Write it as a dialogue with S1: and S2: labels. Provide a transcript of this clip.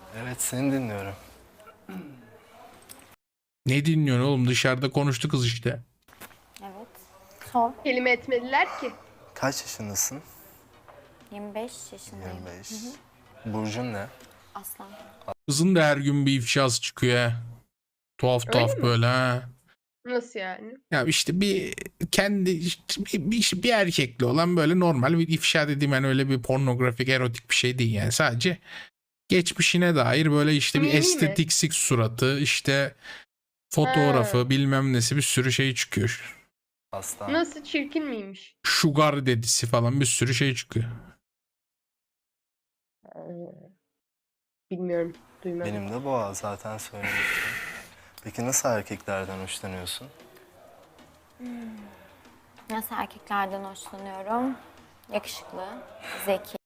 S1: Evet, seni dinliyorum.
S2: Ne dinliyorsun oğlum? Dışarıda konuştu kız işte.
S3: Evet. Sor.
S4: Kelime etmediler ki.
S1: Kaç yaşındasın?
S3: 25 yaşındayım.
S1: 25. Burcun ne?
S3: Aslan.
S2: Kızın da her gün bir ifşası çıkıyor ha. Tuhaf
S4: Öyle
S2: tuhaf
S4: mi?
S2: böyle ha.
S4: Nasıl yani?
S2: Ya işte bir kendi işte bir erkekli olan böyle normal bir ifşa dediğim yani öyle bir pornografik erotik bir şey değil yani sadece geçmişine dair böyle işte bir
S4: Mimi mi?
S2: estetiksik suratı işte
S4: Ha.
S2: fotoğrafı bilmem nesi bir sürü şey çıkıyor.
S1: Aslan.
S4: Nasıl çirkin miymiş?
S2: Sugar dedisi falan bir sürü şey çıkıyor.
S4: Ee, Bilmiyorum. Duymadım.
S1: Benim de boğa, zaten söylemiştim. Peki nasıl erkeklerden hoşlanıyorsun?
S3: Nasıl erkeklerden hoşlanıyorum? Yakışıklı, zeki,